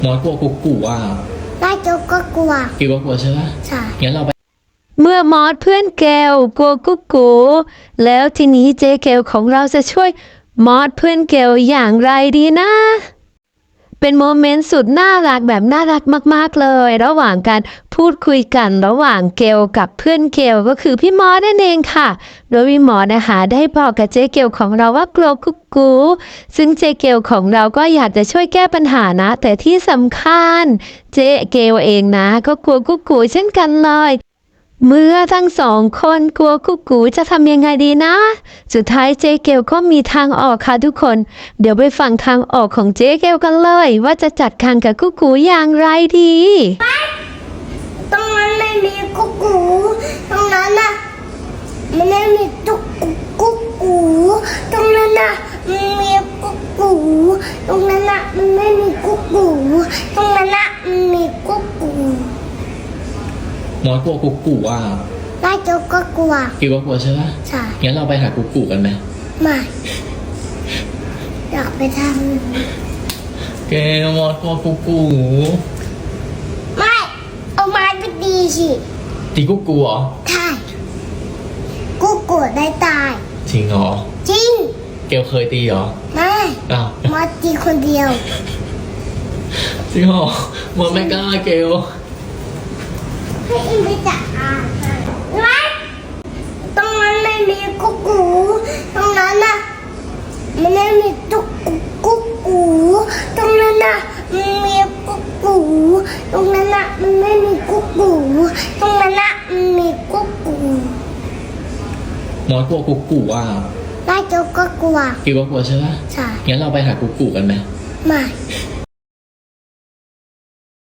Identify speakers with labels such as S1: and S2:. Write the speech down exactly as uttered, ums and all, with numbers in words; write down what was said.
S1: มอสกลัวกุ๊กกูอ่ะ
S2: น่าจะก็กลัว
S1: กิวก็กลัวใช่ไหม
S2: ใช่
S1: งั้นเราไป
S3: เมื่อมอสเพื่อนแก้วกลัวกุ๊กกูแล้วทีนี้เจ๊เกลของเราจะช่วยมอสเพื่อนแก้วอย่างไรดีนะ เป็นโมเมนต์สุดน่ารักแบบน่ารักมากๆเลย ระหว่างการพูดคุยกันระหว่างเกลกับเพื่อนเกลก็คือพี่มอสนั่นเองค่ะโดยพี่มอสนะคะได้บอกกับเจ๊เกลของเราว่ากลัวกุ๊กกูซึ่งเจ๊เกลของเราก็อยากจะช่วยแก้ปัญหานะแต่ที่สำคัญเจ๊เกลเองนะก็กลัวกุ๊กกูเช่นกันเลยเมื่อทั้งสองคนกลัวกุ๊กกูจะทำยังไงดีนะสุดท้ายเจ๊เกลก็มีทางออกค่ะทุกคนเดี๋ยวไปฟังทางออกของเจ๊เกลกันเลยว่าจะจัดการกับกุ๊กกูอย่างไรดี
S2: ตรงนั้นไม่มีกุ๊กกูตรงนั้นน่ะมันไม่มีตุ๊กกุ๊กกูตรงนั้นน่ะมันมีกุ๊กกูตรงนั้นน่ะมันไม่มีกุ๊กกูตรงนั้นน่ะมันมีกุ๊กกู
S1: มอสกลัวกุ๊กกูอ่ะ
S2: น่าจะก็กลัว
S1: กิวก็กลัวใช่ไหม
S2: ใช่
S1: งั้นเราไปหากุ๊กกูกันไหม
S2: ไม่อยากไปท
S1: แกมอสกลัวกุ๊กกู
S2: ำไม่เอาไม้ไปดีสิ
S1: ตีกุ๊กกูเหรอ
S2: ใช่กุ๊กกูได้ตาย
S1: จริงเหรอ
S2: จริง
S1: เกลเคยตีเหรอ
S2: ไม่
S1: อ้าว
S2: มาตีคนเดียว
S1: จริงเหรอมอสไม่กล้าเกล
S2: ให้อินไปจัดอ่านไว้ตรงนั้นไม่มีกุ๊กกูตรงนั้นน่ะมันไม่มีตุ๊กกุ๊กกูตรงนั้นน่ะมันมีกุ๊กกูตรงนั้นน่ะมันไม่มีกุ๊กกูตรงนั้นน่ะมันมีกุ๊กกู
S1: มอสกลัวกุ๊กกูอ่ะ
S2: น่าจะก็กลัว
S1: กิวก็กลัวใช่ไหม
S2: ใช่
S1: งั้นเราไปหากุ๊กกูกันไหม
S2: ไม่